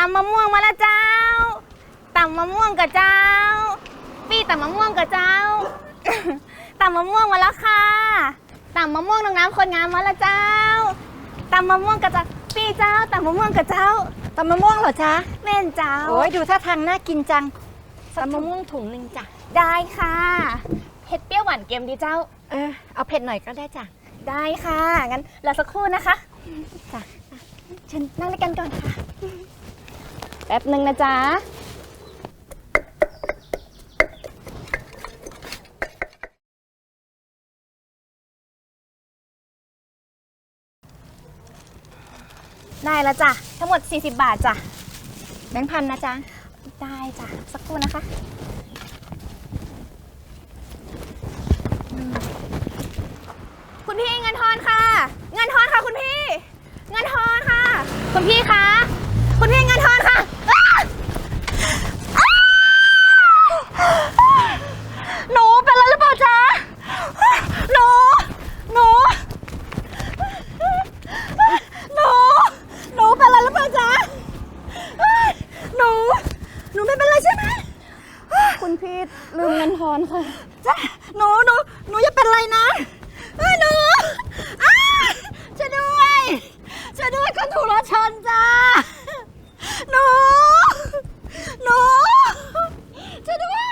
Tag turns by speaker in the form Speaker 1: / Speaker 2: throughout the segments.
Speaker 1: ำมะม่วงมาแล้วเจ้าตำมะม่วงกับเจ้าปี้ตำมะม่วงกับเจ้า ตำมะม่วงมาแล้วค่ะตำมะม่วงน้องน้ำคนงามมาแล้วเจ้าตำมะม่วงกับเจ้าปี้เจ้าตำมะม่วงกับเจ้า
Speaker 2: ตำมะม่วงเหรอจ๊ะ
Speaker 1: แม่นเจ้า
Speaker 2: โอ้ยดูท่าทางน่ากินจังตำมะม่วงถุงนึงจ้ะ
Speaker 1: ได้ค่ะเผ็ดเปรี้ยวหวานเค็มดีเจ้า
Speaker 2: เอาเผ็ดหน่อยก็ได้จ้ะ
Speaker 1: ได้ค่ะงั้นรอสักครู่นะคะ
Speaker 2: จ้ะ
Speaker 1: เชิญนั่งด้วยกันก่อนค่ะแป๊บหนึ่งนะจ๊ะได้แล้วจ้ะทั้งหมด40 บาทจ้ะ
Speaker 2: แบงค์พันนะจ๊ะ
Speaker 1: ได้จ้ะสักครู่นะคะคุณพี่เงินทอนค่ะเงินทอนค่ะคุณพี่เงินทอนค่ะคุณพี่คะคุณพี่เงินทอนค่ะ
Speaker 2: หนูเป็นอะไรหรือเปล่าจ๊ะหนูเป็นอะไรหรือเปล่าจ๊ะหนูไม่เป็นไรใช่ไหม
Speaker 1: คุณพี่ลืมเงินทอนค่ะ
Speaker 2: จ้ะหนูอย่าเป็นไรนะหนูช่วยด้วยคนถูกรถชนจ้าหนูช่วยด้วย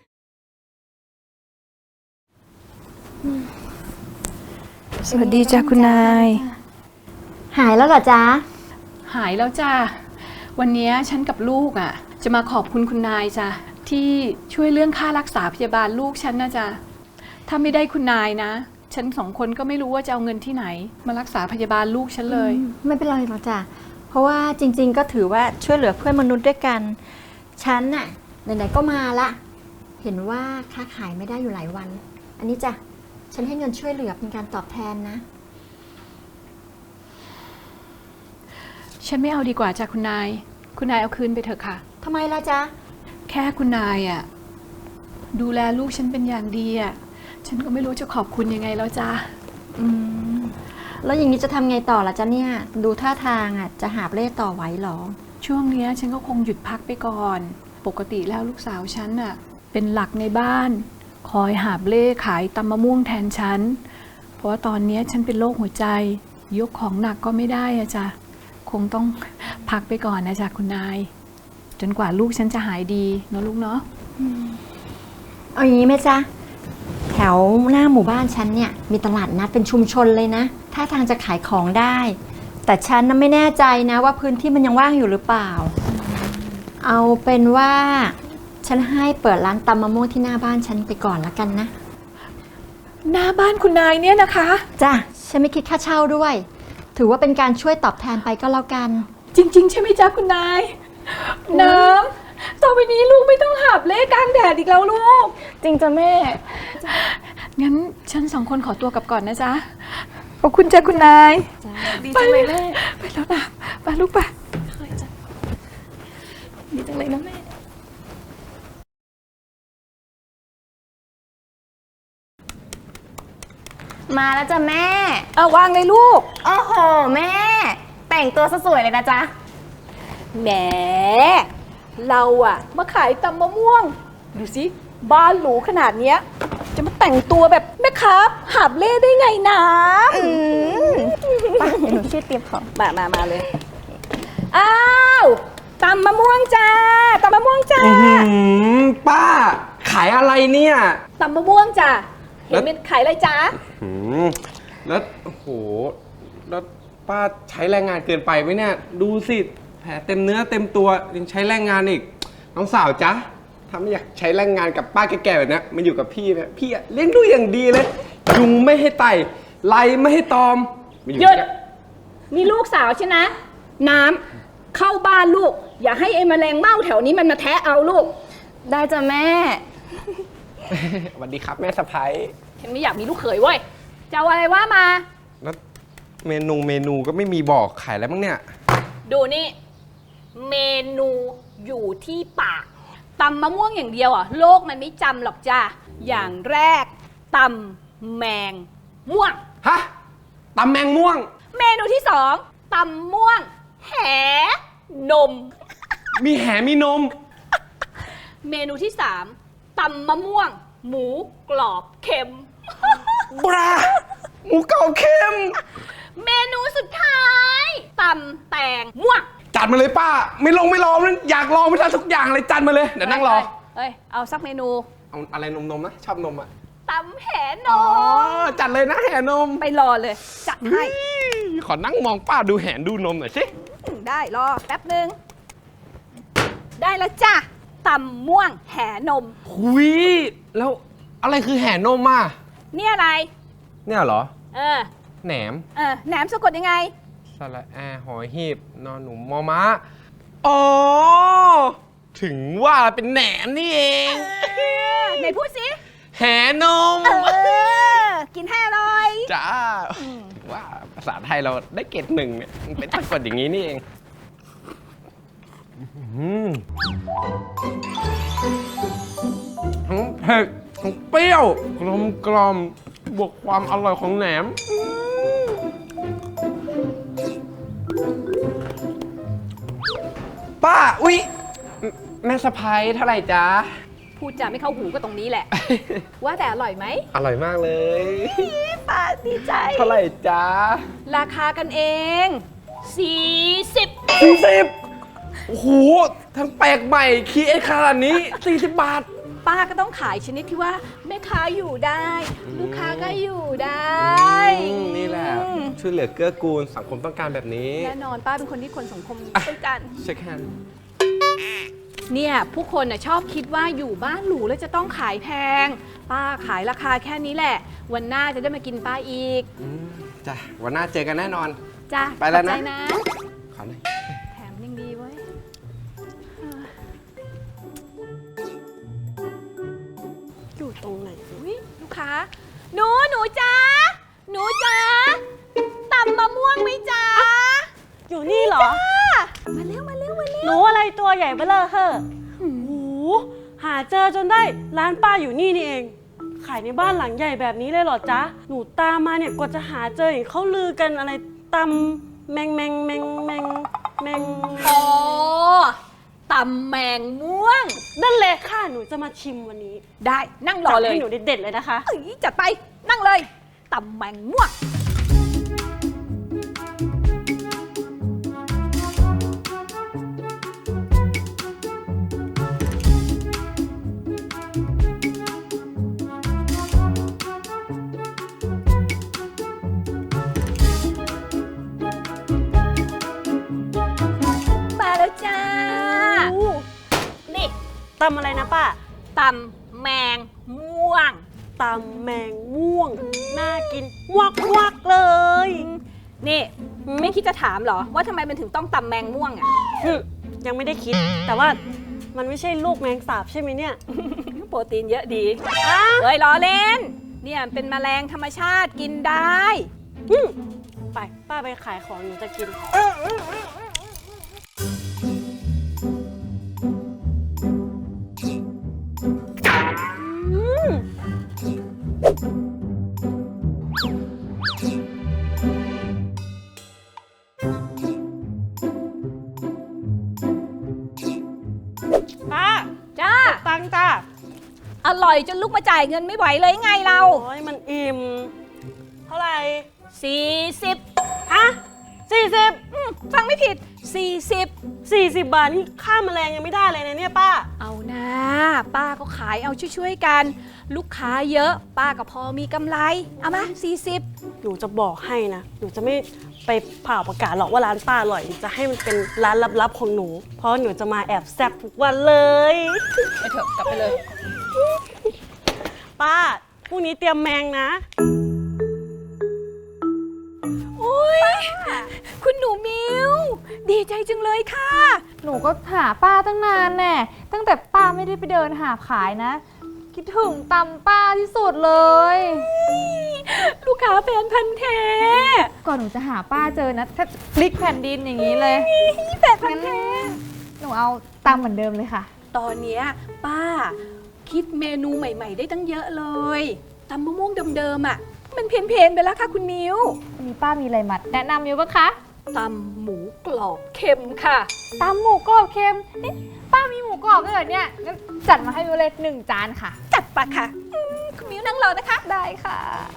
Speaker 3: สวัสดีจ้ะคุณนาย
Speaker 2: หายแล้วเหรอจ๊ะ
Speaker 3: หายแล้วจ้ะวันนี้ฉันกับลูกจะมาขอบคุณคุณนายจ้ะที่ช่วยเรื่องค่ารักษาพยาบาลลูกฉันนะจ๊ะถ้าไม่ได้คุณนายนะฉัน2 คนก็ไม่รู้ว่าจะเอาเงินที่ไหนมารักษาพยาบาลลูกฉันเลย
Speaker 2: ไม่เป็นไรหรอกจ้ะเพราะว่าจริงๆก็ถือว่าช่วยเหลือเพื่อนมนุษย์ด้วยกันฉันน่ะไหนๆก็มาละเห็นว่าค้าขายไม่ได้อยู่หลายวันอันนี้จ้ะฉันให้เงินช่วยเหลือเป็นการตอบแทนนะ
Speaker 3: ฉันไม่เอาดีกว่าจ้ะคุณนายเอาคืนไปเถอะค่ะ
Speaker 2: ทำไมล่ะจ๊ะ
Speaker 3: แค่คุณนายดูแลลูกฉันเป็นอย่างดีฉันก็ไม่รู้จะขอบคุณยังไงแล้วจ้ะ
Speaker 2: แล้วอย่างนี้จะทำไงต่อล่ะจ๊ะเนี่ยดูท่าทางจะหาบเล่ต่อไหวหรอ
Speaker 3: ช่วงนี้ฉันก็คงหยุดพักไปก่อนปกติแล้วลูกสาวฉันเป็นหลักในบ้านคอยหาบเล่ขายตำมะม่วงแทนฉันเพราะว่าตอนนี้ฉันเป็นโรคหัวใจยกของหนักก็ไม่ได้จ้ะคงต้องพักไปก่อนนะจ๊ะคุณนายจนกว่าลูกฉันจะหายดีเนาะลูกเนาะ
Speaker 2: เอาอย่างนี้ไหมจ๊ะแถวหน้าหมู่บ้านฉันเนี่ยมีตลาดนัดเป็นชุมชนเลยนะถ้าทางจะขายของได้แต่ฉันไม่แน่ใจนะว่าพื้นที่มันยังว่างอยู่หรือเปล่าเอาเป็นว่าฉันให้เปิดร้านตำมะม่วงที่หน้าบ้านฉันไปก่อนละกันนะ
Speaker 3: หน้าบ้านคุณนายเนี่ยนะคะ
Speaker 2: จ้ะฉันไม่คิดค่าเช่าด้วยถือว่าเป็นการช่วยตอบแทนไปก็แล้วกัน
Speaker 3: จริงๆใช่ไหมจ๊ะคุณนายน้ำต่อไปนี้ลูกไม่ต้องหาบเล่กลางแดดอีกแล้วลูก
Speaker 1: จริงจ้ะแม่
Speaker 3: งั้นฉัน2 คนขอตัวกลับก่อนนะจ๊ะขอบคุณจ้ะคุณนาย
Speaker 1: ดีจังเลยแม่
Speaker 3: ไปแล้วนะไปลูกไป
Speaker 1: ดีจังเลยนะแม่มาแล้วจ้ะแม่
Speaker 3: วางเลยลูก
Speaker 1: โอ้โหแม่แต่งตัวสวยเลยนะจ๊ะ
Speaker 3: แหมเรามาขายตำมะม่วงดูสิบ้านหรูขนาดเนี้ยจะมาแต่งตัวแบบแม่ค้าหาบเล่ได้ไงนะ
Speaker 1: ป้าเดี๋ยวหนูช่วยเตรียมของ
Speaker 3: มาเลยอ้าวตำมะม่วงจ้าตำมะม่วงจ้า
Speaker 4: ป้าขายอะไรเนี่ย
Speaker 3: ตำมะม่วงจ้าเห็นเป็นขายอะไรจ้า
Speaker 4: แล้วโอ้โหแล้วป้าใช้แรงงานเกินไปไหมเนี่ยดูสิแผลเต็มเนื้อเต็มตัวยังใช้แรงงานอีกน้องสาวจ๊ะถ้าไม่อยากใช้แรงงานกับป้าแก่ๆแบบนี้มาอยู่กับพี่เนี่ยพี่เลี้ยงดูอย่างดีเลยยุงไม่ให้ไต่ไล่ไม่ให้ตอม
Speaker 3: หยุดมีลูกสาวใช่ไหมน้ำเข้าบ้านลูกอย่าให้ไอ้แมลงเม่าแถวนี้มันมาแทะเอาลูก
Speaker 1: ได้จ้ะแม่
Speaker 4: สวัสดีครับแม่สะใภ้
Speaker 3: ฉันไม่อยากมีลูกเขยเว้ยจะเอาอะไรว่ามา
Speaker 4: แล้วเมนูก็ไม่มีบอกขายอะไรบ้างเนี่ย
Speaker 3: ดูนี่เมนูอยู่ที่ปากตำมะม่วงอย่างเดียวโลกมันไม่จำหรอกจ้าอย่างแรกตำแมงม่วง
Speaker 4: ฮะตำแมงม่วง
Speaker 3: เมนูที่2ตำม่วงแหนม
Speaker 4: มีแหมีนม
Speaker 5: เมนูที่ 3ตำมะม่วง หมูกรอบเค็ม
Speaker 4: บราหมูกรอบเค็ม
Speaker 5: เมนูสุดท้ายตำแตงม่วง
Speaker 4: จัดมาเลยป้า ไม่รอมันอยากลองไปทานทุกอย่างเลยจัดมาเลย เดี๋ยวนั่งรอ
Speaker 5: เอ้ย เอาสักเมนู
Speaker 4: เอาอะไรนมๆนะชอบนมอ่ะ
Speaker 5: ตำแหน
Speaker 4: อ๋อ
Speaker 5: ม
Speaker 4: จัดเลยนะแห่นม
Speaker 5: ไปรอเลย จัดให้
Speaker 4: ขอนั่งมองป้าดูแหนดูนมหน่อยสิ
Speaker 5: ได้รอแป๊บนึง ได้แล้วจ้ะตำม่วงแหนม
Speaker 4: หุยแล้วอะไรคือแห่นมอ่ะ
Speaker 5: เนี่ยอะไร
Speaker 4: เนี่ยเหรอ
Speaker 5: เออ
Speaker 4: แหนม
Speaker 5: แหนมสะกดยังไง
Speaker 4: สระแอหอยหีบนอนหนูมอม้าอ๋อ ถึงว่าเป็นแหนมนี่เอง
Speaker 5: ไหนพูดสิ
Speaker 4: แห่นม
Speaker 5: กินให้อร่อย
Speaker 4: จ้า ว่าภาษาไทยเราได้เกรด1เนี่ยมันเป็นสะกดอย่างนี้นี่เองทั้งเผ็ดทั้งเปรี้ยวกลมบวกความอร่อยของแหนม ป้า อุ๊ย แม่สะพ้ายเท่าไหร่จ๊ะ
Speaker 5: พูดจาไม่เข้าหูก็ตรงนี้แหละ ว่าแต่อร่อยไหม
Speaker 4: อร่อยมากเลย
Speaker 5: ป้าดีใจ
Speaker 4: เท่าไหร่จ๊ะ
Speaker 5: ราคากันเอง 40
Speaker 4: 40โอ้โห ทั้งแปลกใหม่คีเอสขนาดนี้ 40 บาท
Speaker 5: ป้าก็ต้องขายชนิดที่ว่าแม่ค้าอยู่ได้ ลูกค้าก็อยู่ได้
Speaker 4: นี่แหละ ช่วยเหลือเกื้อกูลสังคมต้องการแบบนี้
Speaker 5: แน่นอนป้าเป็นคนที่คนสังคมต้องการ
Speaker 4: เช็คแฮนด์
Speaker 5: เนี่ยผู้คนน่ะชอบคิดว่าอยู่บ้านหรูแล้วจะต้องขายแพง ป้าขายราคาแค่นี้แหละ วันหน้าจะได้มากินป้าอีก
Speaker 4: จ้ะ วันหน้าเจอกันแน่นอน
Speaker 5: จ้ะ
Speaker 4: ไปแล้วนะ
Speaker 5: ขอบใจ
Speaker 4: ขอหน่อย
Speaker 5: แถมยังดีเว้ยอยู่ตรงไหนอุ๊ยลูกค้า หนูจ้าหนูจ้าตำมะม่วงไหมจ้า
Speaker 6: อยู่นี่เหรอ
Speaker 5: มาเร็ว
Speaker 6: หนูอะไรตัวใหญ่เบ้อเร่อเฮ้อโอ้โหหาเจอจนได้ร้านป้าอยู่นี่นี่เอง ขายในบ้านหลังใหญ่แบบนี้เลยเหรอจ๊ะ หนูตามมาเนี่ยกว่าจะหาเจอเห็นเขาลือกันอะไรตำแมง
Speaker 5: อ๋อตำแมงม่วง
Speaker 6: นั่นเลยค่ะหนูจะมาชิมวันนี้
Speaker 5: ได้นั่งรอเลย
Speaker 6: ให้หนูเด็ดๆเลยนะคะ
Speaker 5: เอ้ยจัดไปนั่งเลยตำแมงม่วง มาแล้วจ้า นี่
Speaker 6: ตำอะไรนะป้า
Speaker 5: ตำแมงม่วง
Speaker 6: ตำแมงม่วง น่ากินวักเลย
Speaker 5: นี่ไม่คิดจะถามเหรอ ว่าทำไมมันถึงต้องตำแมงม่วงอ่ะ
Speaker 6: ยังไม่ได้คิด แต่ว่ามันไม่ใช่ลูกแมงสาบใช่ไหมเนี่ย
Speaker 5: โปรตีนเยอะดีเฮ้ยล้อเล่น เนี่ยเป็นแมลงธรรมชาติกินได้
Speaker 6: ไปป้าไปขายของหนูจะกิน ป้า
Speaker 5: จ้า
Speaker 6: ตังค์จ้า
Speaker 5: อร่อยจนลุกมาจ่ายเงินไม่ไหวเลยไงเรา
Speaker 6: โอ้ยมันอิ่ม เท่าไหร่
Speaker 5: 40
Speaker 6: ฮะ40
Speaker 5: ฟังไม่ผิด 40
Speaker 6: 40 บาทนี่ค่าแมลงยังไม่ได้เลยนะเนี่ยป้า
Speaker 5: เอานะป้าก็ขายเอาช่วยๆกัน ลูกค้าเยอะป้าก็พอมีกำไร เอามา40
Speaker 6: หนูจะบอกให้นะ หนูจะไม่ไปเผ่าประกาศหรอกว่าร้านป้าอร่อย จะให้มันเป็นร้านลับๆของหนู เพราะหนูจะมาแอบแซบทุกวันเลย
Speaker 5: ไปเถอะกลับไปเลย
Speaker 6: ป้า พรุ่งนี้เตรียมแมงนะ
Speaker 5: โอ้ยคุณหนูมิวดีใจจังเลยค่ะ
Speaker 1: หนูก็หาป้าตั้งนานแน่ตั้งแต่ป้าไม่ได้ไปเดินหาขายนะ คิดถึงตำป้าที่สุดเลย
Speaker 5: ลูกค้าแฟนพันธ์แท้
Speaker 1: ก่อนหนูจะหาป้าเจอนะถ้าพลิกแผ่นดินอย่างนี้เลย
Speaker 5: แฟนพันธ์แท้
Speaker 1: หนูเอาตำเหมือนเดิมเลยค่ะ
Speaker 5: ตอนเนี้ยป้าคิดเมนูใหม่ ๆ ได้ตั้งเยอะเลยตำมะม่วงเดิมๆอ่ะ มันเพี้ยนๆไปแล้วค่ะคุณมิว
Speaker 1: วันนี้ป้ามีอะไรมาแนะนำอยู่ปะคะ
Speaker 5: ตำหมูกรอบเค็มค่ะ
Speaker 1: ตำหมูกรอบเค็มนี่ป้ามีหมูกรอบด้วยเหรอเนี่ยงั้นจัดมาให้มิวเลย1 จานค่ะ
Speaker 5: จัดปะค่ะคุณมิ้วนั่งรอนะคะ
Speaker 1: ได้ค่ะ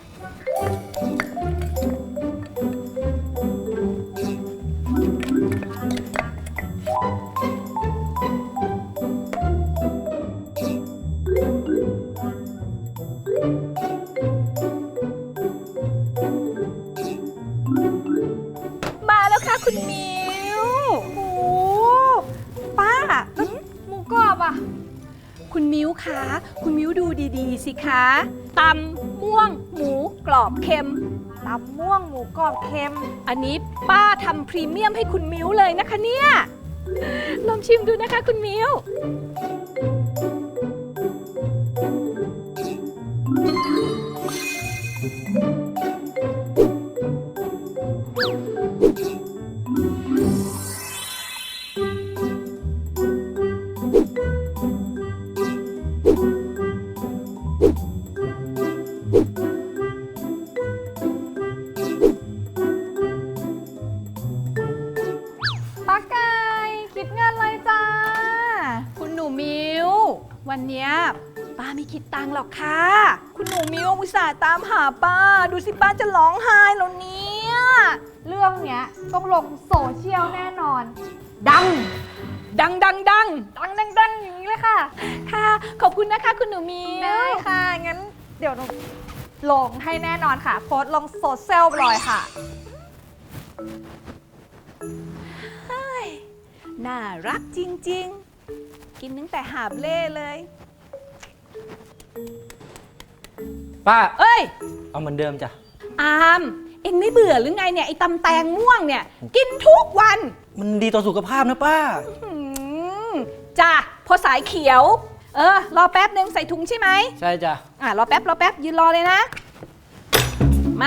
Speaker 5: มาแล้วค่ะคุณมิ้ว
Speaker 1: โอ้ป้าแล้วหมูกรอบอ่ะ
Speaker 5: คุณมิ้วคะคุณมิ้วดูดีๆสิคะตำม่วงหมูกรอบเค็ม
Speaker 1: ตำม่วงหมูกรอบเค็ม
Speaker 5: อันนี้ป้าทำพรีเมียมให้คุณมิ้วเลยนะคะเนี่ยลองชิมดูนะคะคุณมิ้ว
Speaker 1: ป้าไก่คิดเงินเลยจ้า
Speaker 5: คุณหนูมิ้ว วันเนี้ยป้าไม่คิดตังค์หรอกค่ะ คุณหนูมิ้วอุตส่าห์ตามหาป้า ดูสิป้าจะร้องไห้แล้วเนี่ย
Speaker 1: เรื่องเนี้ยต้องลงโซเชียลแน่นอน ดัง
Speaker 5: ดังดังดัง
Speaker 1: ดังดังดังอย่างนี้เลยค่ะ
Speaker 5: ค่ะ ขอบคุณนะคะ คุณหนูมิ้ว
Speaker 1: ได้ค่ะ งั้นเดี๋ยวหนูลงให้แน่นอนค่ะ โพสต์ลงโซเชียลไปเลยค่ะ
Speaker 5: น่ารักจริงๆ กินตั้งแต่หาบเล่เลย
Speaker 7: ป้า
Speaker 5: เอ้ย
Speaker 7: เอาเหมือนเดิมจ้ะ
Speaker 5: อาม เอ็งไม่เบื่อหรือไงเนี่ย ไอ้ตำแตงม่วงเนี่ย กินทุกวัน
Speaker 7: มันดีต่อสุขภาพนะป้า
Speaker 5: หืมจ้ะพอสายเขียว รอแป๊บนึงใส่ถุงใช่ไหม
Speaker 7: ใช่จ้ะ
Speaker 5: รอแป๊บยืนรอเลยนะ มา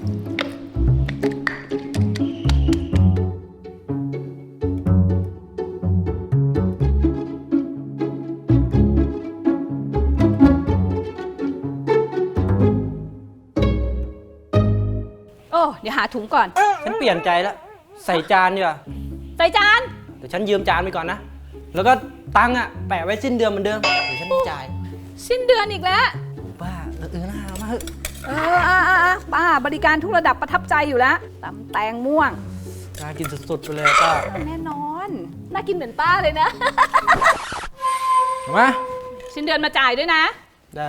Speaker 5: โอ้เดี๋ยวหาถุงก่อน
Speaker 7: ฉันเปลี่ยนใจแล้ว ใส่จานดีกว่า
Speaker 5: ใส่จาน
Speaker 7: แต่ฉันยืมจานไปก่อนนะ แล้วก็ตังค์อะแปะไว้สิ้นเดือนเหมือนเดิม เดี๋ยวฉันจ่าย
Speaker 5: สิ้นเดือนอีกแล้ว
Speaker 7: ป้าน่าเอามาเถอะ
Speaker 5: ป้าบริการทุกระดับประทับใจอยู่แล้วตำแตงม่วง
Speaker 7: น่ากินสุดๆไปเลยป้า
Speaker 5: แน่นอน น่ากินเหมือนป้าเลยนะ
Speaker 7: มา
Speaker 5: สิ้นเดือนมาจ่ายด้วยนะ
Speaker 7: ได้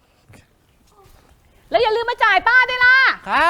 Speaker 5: แล้วอย่าลืมมาจ่ายป้าด้วยล่ะ
Speaker 7: ครับ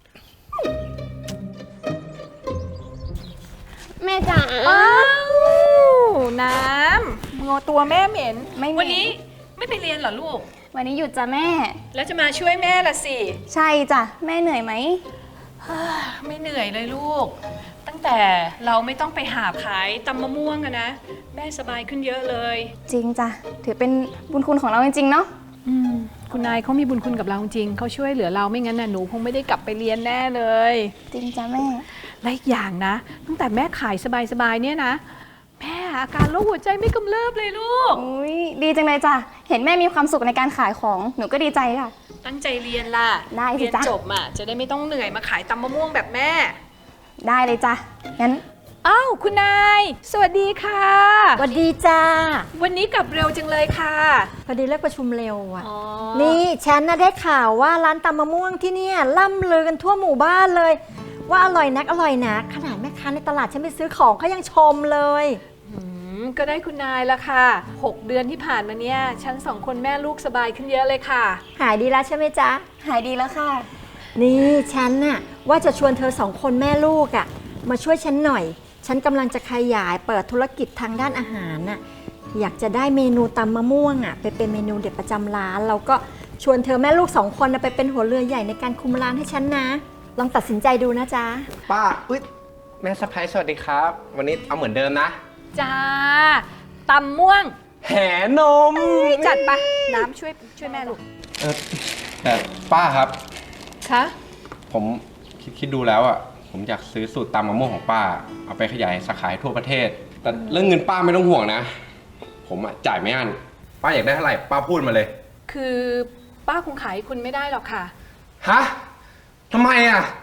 Speaker 1: แม่จ๋า
Speaker 5: อ้าวน้ำงัวตัวแม่เหม็น
Speaker 1: ไม่เหม็น
Speaker 5: วันนี้ไม่ไปเรียนเหรอลูก
Speaker 1: วันนี้หยุดจ้ะแม่
Speaker 5: แล้วจะมาช่วยแม่ละสิ
Speaker 1: ใช่จ้ะ แม่เหนื่อยไหม
Speaker 5: ไม่เหนื่อยเลยลูก ตั้งแต่เราไม่ต้องไปหาขายตำมะม่วงกันนะ แม่สบายขึ้นเยอะเลย
Speaker 1: จริงจ้ะ ถือเป็นบุญคุณของเราจริงๆเนาะ
Speaker 5: คุณนายเขามีบุญคุณกับเราจริงเขาช่วยเหลือเราไม่งั้นน่ะหนูคงไม่ได้กลับไปเรียนแน่เลย
Speaker 1: จริงจ้ะแม่
Speaker 5: และอีกอย่างนะ ตั้งแต่แม่ขายสบายๆเนี่ยนะ แม่อาการโรคหัวใจไม่กำเริบเลยลูก
Speaker 1: อุ้ยดีจังเลยจ้ะ เห็นแม่มีความสุขในการขายของ หนูก็ดีใจค่ะ
Speaker 5: ตั้งใจเรียนล่ะ
Speaker 1: ได้สิ
Speaker 5: เรียน
Speaker 1: จ๊ะ
Speaker 5: จบอ่ะจะได้ไม่ต้องเหนื่อยมาขายตำมะม่วงแบบแม่
Speaker 1: ได้เลยจ้ะ งั้น
Speaker 5: อ้าวคุณนาย สวัสดีค่ะ
Speaker 2: สวัสดีจ้า
Speaker 5: วันนี้กลับเร็วจังเลยค่ะ
Speaker 2: พอดีเลิกประชุมเร็วอ่ะ
Speaker 5: อ๋อ
Speaker 2: นี่ฉันน่ะได้ข่าวว่าร้านตำมะม่วงที่เนี่ยล่ำลือกันทั่วหมู่บ้านเลย ว่าอร่อยนักอร่อยนักขนาดแม่ค้าในตลาดฉันไปซื้อของเขายังชมเลย
Speaker 5: ก็ได้คุณนายละค่ะ 6 เดือนที่ผ่านมาเนี่ยฉันสองคนแม่ลูกสบายขึ้นเยอะเลยค่ะ
Speaker 2: หายดีแล้วใช่ไหมจ๊ะ
Speaker 1: หายดีแล้วค่ะ
Speaker 2: นี่ฉันน่ะว่าจะชวนเธอสองคนแม่ลูกอะ่ะมาช่วยฉันหน่อย ฉันกำลังจะขยายเปิดธุรกิจทางด้านอาหารน่ะอยากจะได้เมนูตำมะม่วงอะ่ะไปเป็นเมนูเด็ดประจำร้านแล้วก็ชวนเธอแม่ลูกสองคนน่ะไปเป็นหัวเรือใหญ่ในการคุมร้านให้ฉันนะ ลองตัดสินใจดูนะจ๊ะ
Speaker 4: ป้าอุ๊ยแม่สะพ้ายสวัสดีครับ วันนี้เอาเหมือนเดิมนะ
Speaker 5: จ้าตำม่วง
Speaker 4: แห่นม
Speaker 5: จัดไปน้ำช่วยแม่ลูก
Speaker 4: แต่ป้าครับ
Speaker 5: คะ
Speaker 4: ผมคิดดูแล้วอ่ะ ผมอยากซื้อสูตรตำมะม่วงของป้า เอาไปขยายสาขาให้ทั่วประเทศ แต่เรื่องเงินป้าไม่ต้องห่วงนะ ผมอ่ะจ่ายไม่อั้นป้าอยากได้เท่าไหร่ป้าพูดมาเลย
Speaker 5: คือป้าคงขายคุณไม่ได้หรอกค่ะ
Speaker 4: ฮะทำไมอ่ะ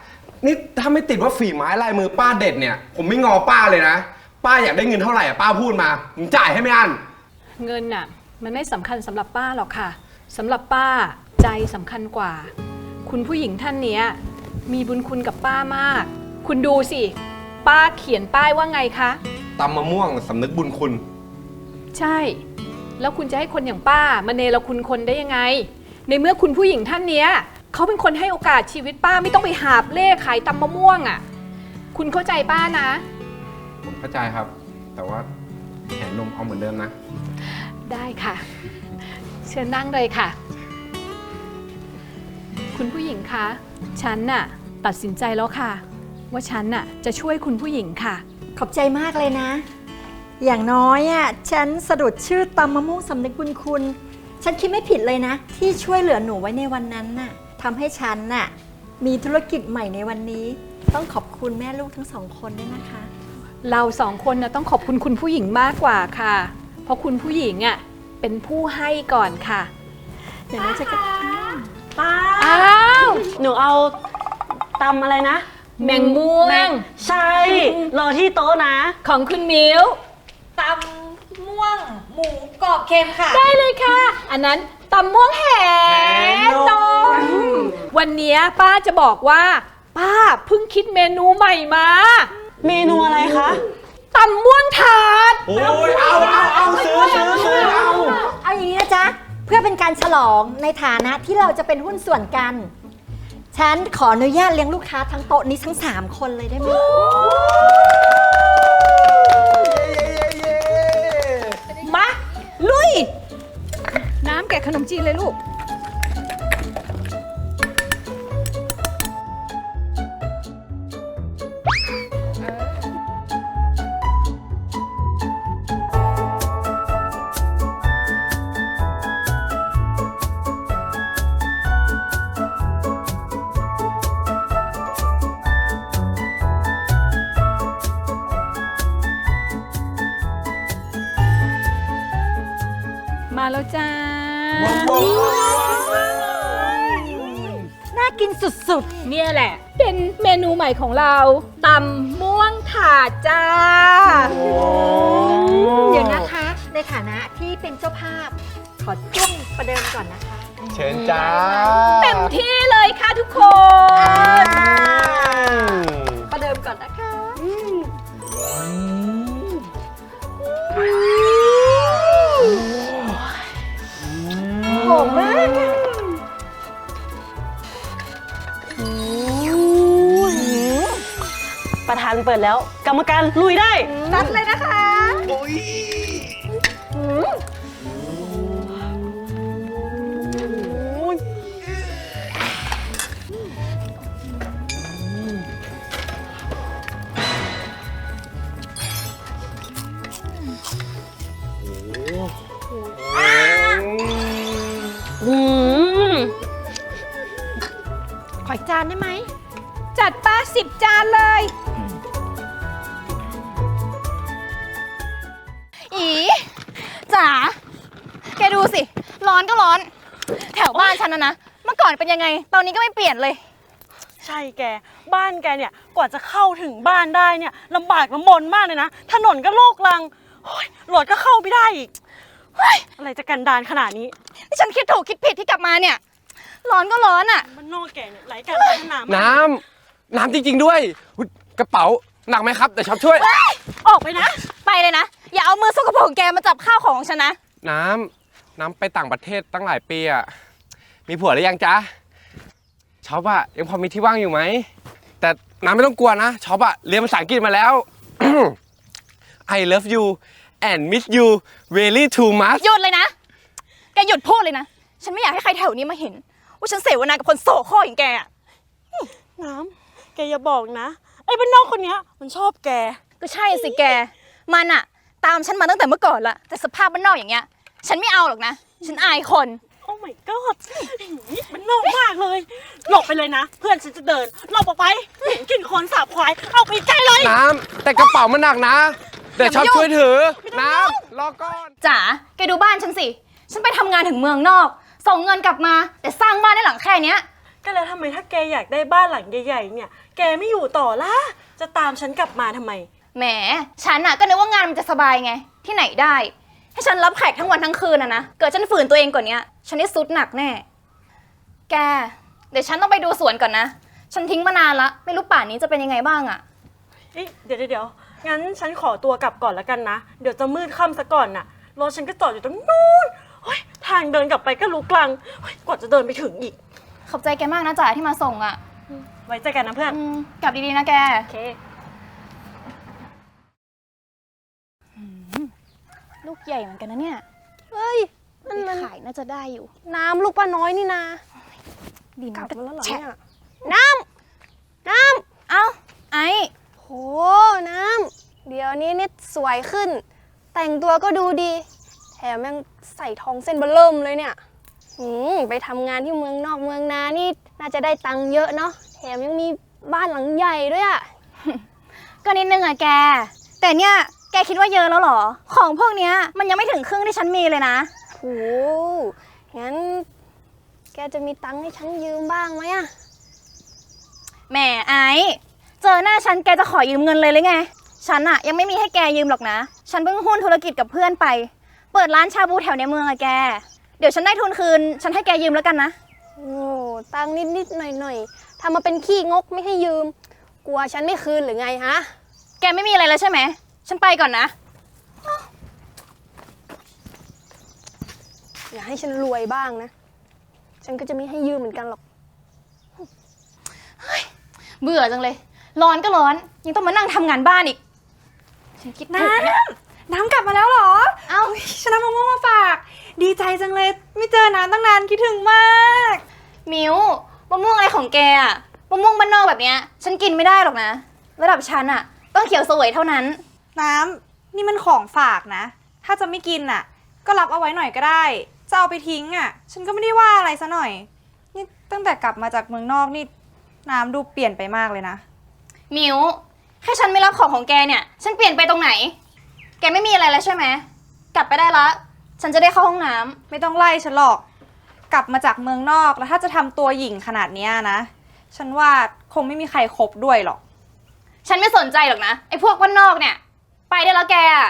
Speaker 4: นี่ถ้าไม่ติดว่าฝีไม้ลายมือป้าเด็ดเนี่ย ผมไม่งอป้าเลยนะ ป้าอยากได้เงินเท่าไหร่ป้าพูดมาผมจ่ายให้ไม่อั้น
Speaker 5: เงินน่ะมันไม่สำคัญสำหรับป้าหรอกค่ะสำหรับป้าใจสำคัญกว่า คุณผู้หญิงท่านเนี้ยมีบุญคุณกับป้ามาก คุณดูสิป้าเขียนป้ายว่าไงคะ
Speaker 4: ตำมะม่วงสำนึกบุญคุณ
Speaker 5: ใช่ แล้วคุณจะให้คนอย่างป้ามาเนรคุณคนได้ยังไง ในเมื่อคุณผู้หญิงท่านเนี้ยเขาเป็นคนให้โอกาสชีวิตป้าไม่ต้องไปหาบเล่ขายตำมะม่วงอ่ะคุณเข้าใจป้านะ
Speaker 4: ผมเข้าใจครับ แต่ว่าแหนนมเอาเหมือนเดิมนะ
Speaker 5: ได้ค่ะ เชิญนั่งเลยค่ะ คุณผู้หญิงคะฉันน่ะตัดสินใจแล้วค่ะ ว่าฉันน่ะจะช่วยคุณผู้หญิงค่ะ
Speaker 2: ขอบใจมากเลยนะ อย่างน้อยอ่ะฉันสะดุดชื่อตำมะม่วงสำนึกบุญคุณ ฉันคิดไม่ผิดเลยนะ ที่ช่วยเหลือหนูไว้ในวันนั้นน่ะทำให้ฉันน่ะมีธุรกิจใหม่ในวันนี้ ต้องขอบคุณแม่ลูกทั้งสองคนด้วยนะคะ
Speaker 5: เราสองคนนะต้องขอบคุณคุณผู้หญิงมากกว่าค่ะ เพราะคุณผู้หญิงอ่ะเป็นผู้ให้ก่อนค่ะ
Speaker 2: อย่างน้อยฉันก็
Speaker 6: ป้า
Speaker 5: อ้าว
Speaker 6: หนูเอาตำอะไรนะ
Speaker 5: แมงม่วง
Speaker 6: ใช่ รอที่โต๊ะนะ
Speaker 5: ของคุณมิ้ว
Speaker 2: ตำม่วงหมูกรอบเค็มค่ะ
Speaker 5: ได้เลยค่ะ อันนั้นตำม่วงแหนมวันนี้ป้าจะบอกว่า ป้าเพิ่งคิดเมนูใหม่มา
Speaker 6: เมนูอะไรคะ
Speaker 5: ตำม่วงถาด
Speaker 4: โอ้ยเอาซื้อเอา
Speaker 2: เอาอย่างนี้นะจ๊ะ เพื่อเป็นการฉลองในฐานะที่เราจะเป็นหุ้นส่วนกัน ฉันขออนุญาตเลี้ยงลูกค้าทั้งโต๊ะนี้ทั้ง 3 คนเลยได้ไหม
Speaker 5: มา ลุย น้ำแกะขนมจีนเลยลูก มาแล้วจ้า
Speaker 2: น่ากินสุด
Speaker 5: เนี่ยแหละ เป็นเมนูใหม่ของเราตำม่วงถาดจ้า
Speaker 2: ๆ เดี๋ยวนะคะ ในฐานะที่เป็นเจ้าภาพ ขอจ้วงประเดิมก่อนนะคะ
Speaker 4: เชิญจ้า
Speaker 5: เต็มที่เลยค่ะทุกคน
Speaker 2: ประเดิมก่อนนะคะ หอมมากอะ
Speaker 6: ประธานเปิดแล้ว กรรมการลุยได้
Speaker 2: นัดเลยนะคะ
Speaker 6: อืม
Speaker 2: ขออีกจานได้ไหม
Speaker 5: จัดป้า10 จานเลย
Speaker 1: อีจ๋าแกดูสิ ร้อนก็ร้อน แถวบ้านฉันนะ เมื่อก่อนเป็นยังไง ตอนนี้ก็ไม่เปลี่ยนเลย
Speaker 6: ใช่แก บ้านแกเนี่ย กว่าจะเข้าถึงบ้านได้เนี่ยลำบากลำบนมากเลยนะ ถนนก็โลกรังโอ้ยรถก็เข้าไม่ได้อีกเฮ้ยอะไรจะกันดารขนาดนี้
Speaker 1: ที่ฉันคิดถูกคิดผิดที่กลับมาเนี่ย ร้อนก็ร้อนอ่ะ
Speaker 6: มันนอกแกเนี่ยไร้การพัฒนามาก
Speaker 4: น้ำจริงๆด้วยอุ๊ยกระเป๋าหนักไหมครับเดี๋ยวช็อปช่วย
Speaker 6: ออกไปนะ
Speaker 1: ไปเลยนะ อย่าเอามือสกปรกของแกมาจับข้าวของของฉันนะ
Speaker 4: น้ำไปต่างประเทศตั้งหลายปีอะมีผัวหรือยังจ๊ะช็อปอะยังพอมีที่ว่างอยู่ไหม แต่น้ำไม่ต้องกลัวนะช็อปอะเรียนภาษาอังกฤษมาแล้ว I love you and miss you really too much
Speaker 1: หยุดเลยนะ แกหยุดพูดเลยนะ ฉันไม่อยากให้ใครแถวนี้มาเห็น ว่าฉันเสวนากับคนโสโครกอย่างแกอะ
Speaker 6: น้ำแกอย่าบอกนะ ไอ้บ้านนอกคนเนี้ยมันชอบแก
Speaker 1: ก็ใช่สิแก มันอะตามฉันมาตั้งแต่เมื่อก่อนละ แต่สภาพบ้านนอกอย่างเงี้ย ฉันไม่เอาหรอกนะ ฉันอายคน
Speaker 6: โอ้ my god มันนอกมากเลย หลบไปเลยนะ เพื่อนฉันจะเดิน หลบออกไปเห็นกลิ่นคนสาบควาย เอาไปใกล้เลย
Speaker 4: น้ำแต่กระเป๋ามันหนักนะ เดี๋ยวช็อปช่วยถือ น้ำรอก่อน
Speaker 1: จ๋า แกดูบ้านฉันสิ ฉันไปทำงานถึงเมืองนอก ส่งเงินกลับมา แต่สร้างบ้านได้หลังแค่เนี้ย แ
Speaker 6: ก็แล้วทำไมถ้าแกอยากได้บ้านหลังใหญ่ๆเนี่ยแกไม่อยู่ต่อล่ะจะตามฉันกลับมาทำไม
Speaker 1: แหมฉันอะก็นึกว่างานมันจะสบายไงที่ไหนได้ให้ฉันรับแขกทั้งวันทั้งคืนนะเกิดฉันฝืนตัวเองกว่านี้ฉันได้ซุดหนักแน่แกเดี๋ยวฉันต้องไปดูสวนก่อนนะฉันทิ้งมานานละไม่รู้ป่านนี้จะเป็นยังไงบ้างอะ
Speaker 6: เดี๋ยวงั้นฉันขอตัวกลับก่อนแล้วกันนะเดี๋ยวจะมืดค่ำซะก่อนน่ะรถฉันก็จอดอยู่ตรงนู้นทางเดินกลับไปก็ลุกลังกว่าจะเดินไปถึงอีก
Speaker 1: ขอบใจแกมากนะจ๋าที่มาส่งอะ
Speaker 6: ไว้เจอกันนะเพื่อน
Speaker 1: กลับดีๆนะแก
Speaker 6: โอเค
Speaker 1: ลูกใหญ่เหมือนกันนะเนี่ย
Speaker 6: เฮ้ยนั่นมัน
Speaker 1: ขายน่าจะได้อยู่
Speaker 6: น้ำลูกป้าน้อยนี่นา
Speaker 1: ดิน
Speaker 6: กลับมาแล้วเหรอเนี่ย
Speaker 1: เอ้าไอ้
Speaker 8: โห น้ำ เดี๋ยวนี้นิดสวยขึ้น แต่งตัวก็ดูดี แถมยังใส่ทองเส้นเบอร์เริ่มเลยเนี่ยไปทำงานที่เมืองนอกเมืองนานี่น่าจะได้ตังค์เยอะเนาะ แถมยังมีบ้านหลังใหญ่ด้วยอะ
Speaker 1: ก็นิดนึงอะแก แต่เนี่ยแกคิดว่าเยอะแล้วเหรอ ของพวกเนี้ยมันยังไม่ถึงครึ่งที่ฉันมีเลยนะ
Speaker 8: โห งั้น แกจะมีตังค์ให้ฉันยืมบ้างไหมอะ
Speaker 1: แหมไอ้เจอหน้าฉันแกจะขอยืมเงินเลยหรือไง ฉันอะยังไม่มีให้แกยืมหรอกนะ ฉันเพิ่งหุ้นธุรกิจกับเพื่อนไป เปิดร้านชาบูแถวในเมืองอะแก เดี๋ยวฉันได้ทุนคืน ฉันให้แกยืมแล้วกันนะ
Speaker 8: โอ้ตังค์นิดๆหน่อยๆทำมาเป็นขี้งกไม่ให้ยืม กลัวฉันไม่คืนหรือไงฮะ
Speaker 1: แกไม่มีอะไรแล้วใช่ไหม ฉันไปก่อนนะ
Speaker 8: อย่าให้ฉันรวยบ้างนะ ฉันก็จะไม่ให้ยืมเหมือนกันหรอก
Speaker 1: เบื่อจังเลย ร้อนก็ร้อน ยังต้องมานั่งทำงานบ้านอีก ฉันคิดถูกนะ
Speaker 9: น้ำกลับมาแล้วเหรอ
Speaker 1: เอ้า
Speaker 9: ฉันนำมะม่วงมาฝาก ดีใจจังเลย ไม่เจอน้ำตั้งนานคิดถึงมาก
Speaker 1: มิวมะม่วงอะไรของแกอะมะม่วงบ้านนอกแบบเนี้ย ฉันกินไม่ได้หรอกนะ ระดับฉันอะต้องเขียวเสวยเท่านั้น
Speaker 9: น้ำนี่มันของฝากนะ ถ้าจะไม่กินอ่ะ ก็รับเอาไว้หน่อยก็ได้ จะเอาไปทิ้งอ่ะ ฉันก็ไม่ได้ว่าอะไรซะหน่อย นี่ตั้งแต่กลับมาจากเมืองนอกนี่น้ำดูเปลี่ยนไปมากเลยนะ
Speaker 1: มิวแค่ฉันไม่รับของของแกเนี่ย ฉันเปลี่ยนไปตรงไหน แกไม่มีอะไรแล้วใช่ไหม กลับไปได้ละ ฉันจะได้เข้าห้องน้ำ
Speaker 9: ไม่ต้องไล่ฉันหรอก กลับมาจากเมืองนอกแล้วถ้าจะทำตัวหยิ่งขนาดเนี้ยนะ ฉันว่าคงไม่มีใครคบด้วยหรอก
Speaker 1: ฉันไม่สนใจหรอกนะ ไอ้พวกบ้านนอกเนี่ย ไปได้แล้วแกอะ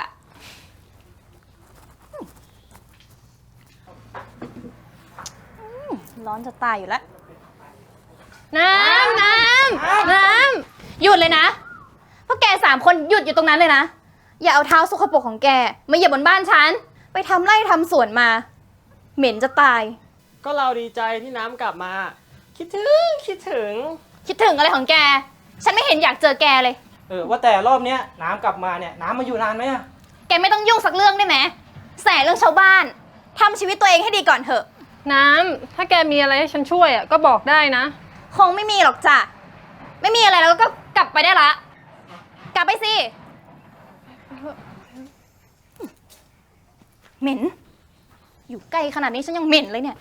Speaker 1: ร้อนจะตายอยู่แล้ว น้ำ หยุดเลยนะ พวกแก3 คนหยุดอยู่ตรงนั้นเลยนะ อย่าเอาเท้าสกปรกของแกมาเหยียบบนบ้านฉัน ไปทำไร่ทำสวนมา เหม็นจะตาย
Speaker 7: ก็เราดีใจที่น้ำกลับมา คิดถึง
Speaker 1: คิดถึงอะไรของแก ฉันไม่เห็นอยากเจอแกเลย
Speaker 7: ว่าแต่รอบเนี้ยน้ำกลับมาเนี่ยน้ำมาอยู่นานไหมอะ
Speaker 1: แกไม่ต้องยุ่งสักเรื่องได้ไหมแสเรื่องชาวบ้านทำชีวิตตัวเองให้ดีก่อนเถอะ
Speaker 10: น้ำ ถ้าแกมีอะไรให้ฉันช่วยอ่ะก็บอกได้นะ
Speaker 1: คงไม่มีหรอกจ้ะ ไม่มีอะไรแล้วก็กลับไปได้ละ กลับไปสิ เหม็น อยู่ใกล้ขนาดนี้ฉันยังเหม็นเลยเนี่ย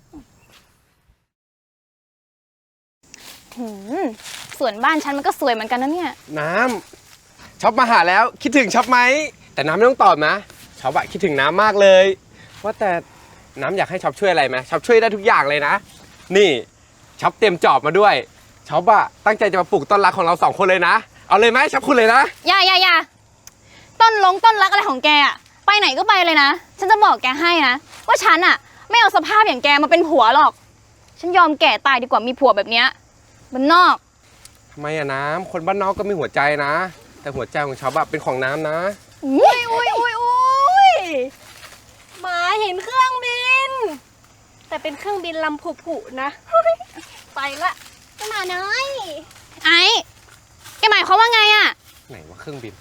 Speaker 1: ส่วนบ้านฉันมันก็สวยเหมือนกันนะเนี่ย
Speaker 4: น้ำช็อปมาหาแล้วคิดถึงช็อปไหมแต่น้ำไม่ต้องตอบนะช็อปอะคิดถึงน้ำมากเลยว่าแต่น้ำอยากให้ช็อปช่วยอะไรไหมช็อปช่วยได้ทุกอย่างเลยนะนี่ช็อปเตรียมจอบมาด้วยช็อปอะตั้งใจจะมาปลูกต้นรักของเรา2 คนเลยนะเอาเลยไหมช็อปคุณเลยนะ
Speaker 1: อย่าต้นรักอะไรของแกอะไปไหนก็ไปเลยนะ ฉันจะบอกแกให้นะ ว่าฉันอะไม่เอาสภาพอย่างแกมาเป็นผัวหรอก ฉันยอมแก่ตายดีกว่ามีผัวแบบเนี้ยบ้านนอก
Speaker 4: ทำไมอะน้ำคนบ้านนอกก็มีหัวใจนะ แต่หัวใจของช็อปอะเป็นของน้ำนะ
Speaker 8: อุ้ยหมาเห็นเครื่องบิน แต่เป็นเครื่องบินลำผุๆนะ ไปละจะมาน้อย
Speaker 1: ไอ้แกหมายความว่าไงอะ
Speaker 4: ไหนว่าเครื่องบิน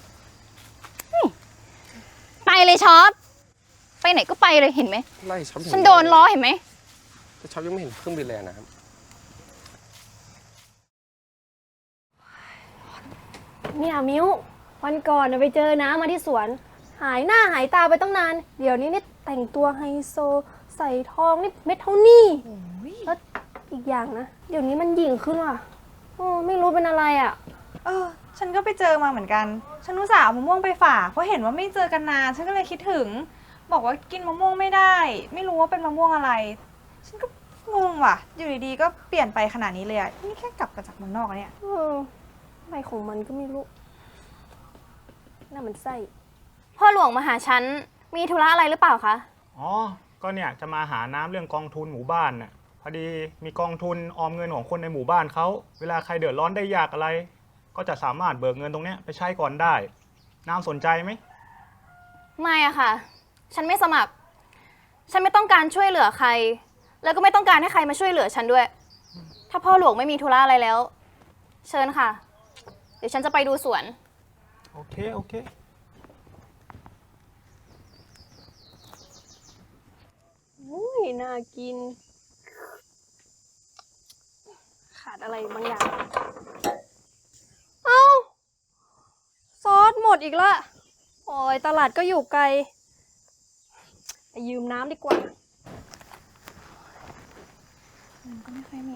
Speaker 1: ไปเลยช็อป ไปไหนก็ไปเลยเห็นไหม
Speaker 4: ไล่ช็อป
Speaker 1: ฉันโดนล้อเห็นไหม
Speaker 4: แต่ช็อปยังไม่เห็นเครื่องบินเลยอะน้ำ
Speaker 8: เนี่ยมิ้ว วันก่อนน่ะไปเจอน้ามาที่สวน หายหน้าหายตาไปตั้งนาน เดี๋ยวนี้นี่แต่งตัวไฮโซ ใส่ทองนี่เม็ดเท่านี่แล้วอีกอย่างนะ เดี๋ยวนี้มันหยิ่งขึ้นว่ะไม่รู้เป็นอะไรอ่ะ
Speaker 9: ฉันก็ไปเจอมาเหมือนกัน ฉันอุตส่าห์เอามะม่วงไปฝาก เพราะเห็นว่าไม่เจอกันนาน ฉันก็เลยคิดถึง บอกว่ากินมะม่วงไม่ได้ ไม่รู้ว่าเป็นมะม่วงอะไร ฉันก็งงว่ะ อยู่ดีๆก็เปลี่ยนไปขนาดนี้เลยอะนี่แค่กลับมาจากเมืองนอกอะเนี่ย
Speaker 8: อะไรของมันก็ไม่รู้ น่ามันไส้
Speaker 1: พ่อหลวงมาหาฉัน มีธุระอะไรหรือเปล่าคะ
Speaker 11: อ๋อ ก็เนี่ยจะมาหาน้ำเรื่องกองทุนหมู่บ้านน่ะ พอดีมีกองทุนออมเงินของคนในหมู่บ้านเขา เวลาใครเดือดร้อนได้ยากอะไร ก็จะสามารถเบิกเงินตรงเนี้ยไปใช้ก่อนได้ น้ำสนใจไหม
Speaker 1: ไม่อะค่ะ ฉันไม่สมัคร ฉันไม่ต้องการช่วยเหลือใคร แล้วก็ไม่ต้องการให้ใครมาช่วยเหลือฉันด้วย ถ้าพ่อหลวงไม่มีธุระอะไรแล้ว เชิญค่ะ เดี๋ยวฉันจะไปดูสวน
Speaker 11: โอเค โอเค
Speaker 8: อุ้ยน่ากิน ขาดอะไรบางอย่าง เอ้า ซอสหมดอีกละโอ้ยตลาดก็อยู่ไกลไปยืมน้ำดีกว่า
Speaker 1: ก็ไม่ค่อยมี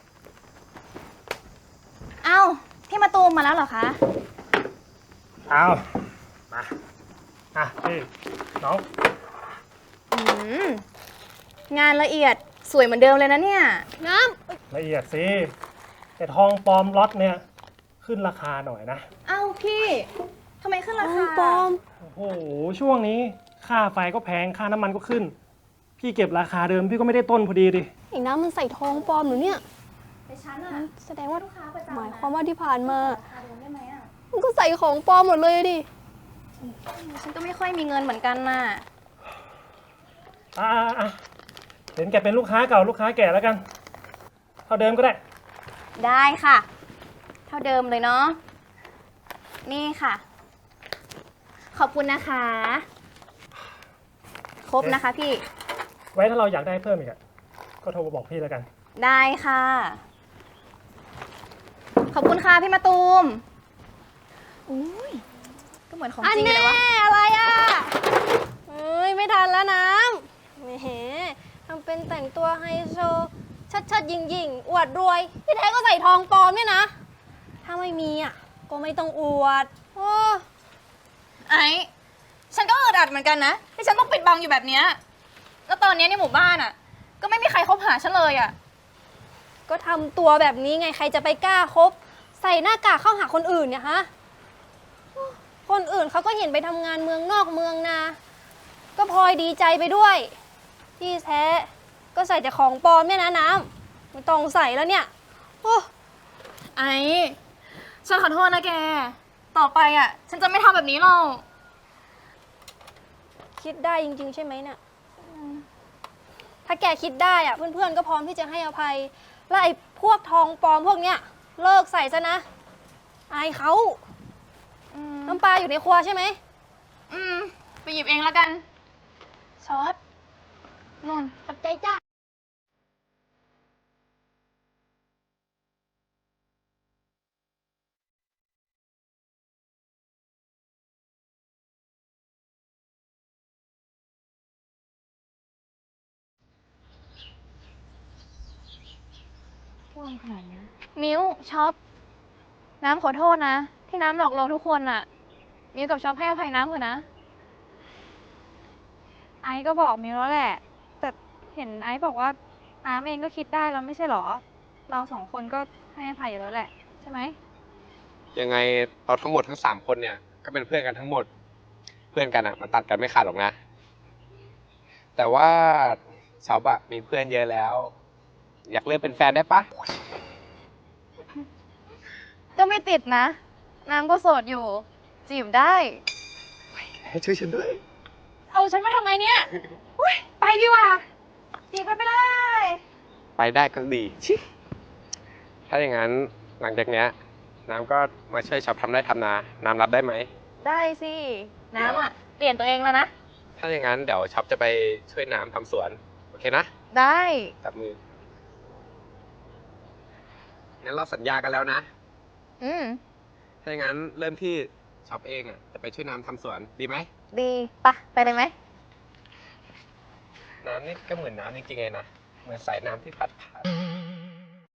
Speaker 1: เอ้า พี่มาตูมมาแล้วเหรอคะ
Speaker 11: เอามาพี่น้อง
Speaker 1: งานละเอียดสวยเหมือนเดิมเลยนะเนี่ย
Speaker 8: น้ำ
Speaker 11: ละเอียดสิ แต่ทองปลอมล็อตเนี่ยขึ้นราคาหน่อยนะ
Speaker 1: เอ้าพี่ทำไมขึ้นราคา
Speaker 8: ปลอม
Speaker 11: โอ้โห ช่วงนี้ค่าไฟก็แพง ค่าน้ำมันก็ขึ้น พี่เก็บราคาเดิมพี่ก็ไม่ได้ต้นพอดีดิ
Speaker 8: ไอ้น้ำมันใส่ทองปลอมหรือเนี่ย
Speaker 1: แต่ฉันอะ
Speaker 8: แสดงว่า
Speaker 1: ลูกค้าประจำ
Speaker 8: หมายความว่าที่ผ่านมา
Speaker 1: ราคาเดิมได้ไหมอะ
Speaker 8: มันก็ใส่ของปลอมหมดเลยดิ
Speaker 1: ฉันก็ไม่ค่อยมีเงินเหมือนกันน่ะ
Speaker 11: เห็นแกเป็นลูกค้าเก่าลูกค้าแก่แล้วกัน เท่าเดิมก็ได้
Speaker 1: ได้ค่ะ เท่าเดิมเลยเนาะ นี่ค่ะ ขอบคุณนะคะ ครบนะคะพี่
Speaker 11: ไว้ถ้าเราอยากได้เพิ่มอีกก็โทรมาบอกพี่แล้วกัน
Speaker 1: ได้ค่ะ ขอบคุณค่ะพี่มาตูมอุ้ยก็เหมือนของจริงเลยวะ
Speaker 8: อะไรอ่ะเอ้ย ไม่ทันแล้วน้ำแหมทำเป็นแต่งตัวไฮโซชัดๆยิงๆ อวดรวย ที่แท้ก็ใส่ทองปลอมเนี่ยนะ ถ้าไม่มีอ่ะ ก็ไม่ต้องอวด โอ้
Speaker 1: ไอ้ฉันก็อึดอัดเหมือนกันนะที่ฉันต้องปิดบังอยู่แบบเนี้ยแล้วตอนนี้ในหมู่บ้านอ่ะ ก็ไม่มีใครคบหาฉันเลยอ่ะ
Speaker 8: ก็ทำตัวแบบนี้ไง ใครจะไปกล้าคบ ใส่หน้ากากเข้าหาคนอื่นเนี่ยฮะ คนอื่นเขาก็เห็นไปทำงานเมืองนอกเมืองนา ก็พลอยดีใจไปด้วย ที่แท้ก็ใส่แต่ของปลอมเนี่ยนะน้ำไม่ต้องใส่แล้วเนี่ย โอ้
Speaker 1: ไอ้ฉันขอโทษนะแก ต่อไปอ่ะ ฉันจะไม่ทำแบบนี้หรอก
Speaker 8: คิดได้จริงๆใช่ไหมเนี่ยถ้าแกคิดได้อะเพื่อนๆก็พร้อมที่จะให้อภัย แล้วไอ้พวกทองปลอมพวกเนี้ยเลิกใส่ซะนะ อายเขาน้ำปลาอยู่ในครัวใช่ไหม
Speaker 1: ไปหยิบเองแล้วกัน ซอสนนขอบใจจ้า
Speaker 10: มิวช็อป น้ำขอโทษนะ ที่น้ำหลอกเราทุกคนอะมิวกับช็อปให้อภัยน้ำเถอะนะ
Speaker 9: ไอซ์ก็บอกมิวแล้วแหละ แต่เห็นไอซ์บอกว่าน้ำเองก็คิดได้แล้วไม่ใช่หรอ เราสองคนก็ให้อภัยอยู่แล้วแหละ ใช่ไหม
Speaker 4: ยังไงเราทั้งหมดทั้ง3คนเนี่ยก็เป็นเพื่อนกันทั้งหมด เพื่อนกันมันตัดกันไม่ขาดหรอกนะ แต่ว่าชอบอะมีเพื่อนเยอะแล้ว อยากเลือกเป็นแฟนได้ปะ
Speaker 10: ก็ไม่ติดนะ น้ำก็โสดอยู่ จีบได้
Speaker 4: ให้ช่วยฉันด้วย
Speaker 10: เอาฉันมาทำไมเนี่ย ไปดีกว่าจีบกันไปเลย
Speaker 4: ไปได้ก็ดีชิถ้าอย่างนั้นหลังจากเนี้ยน้ำก็มาช่วยชอบทำไร่ทำนา น้ำรับได้ไหม
Speaker 10: ได้สิ น้ำอะเปลี่ยนตัวเองแล้วนะ
Speaker 4: ถ้าอย่างนั้นเดี๋ยวช็อปจะไปช่วยน้ำทำสวน โอเคนะ
Speaker 10: ได้
Speaker 4: จับมือ งั้นเราสัญญากันแล้วนะ ถ้าอย่างนั้นเริ่มที่ช็อปเองอ่ะจะไปช่วยน้ำทำสวนดีไหม
Speaker 10: ดีปะไปเลยไหม
Speaker 4: น้ำนี่ก็เหมือนน้ำจริงๆเลยนะ เหมือนสายน้ำที่พัดผ่าน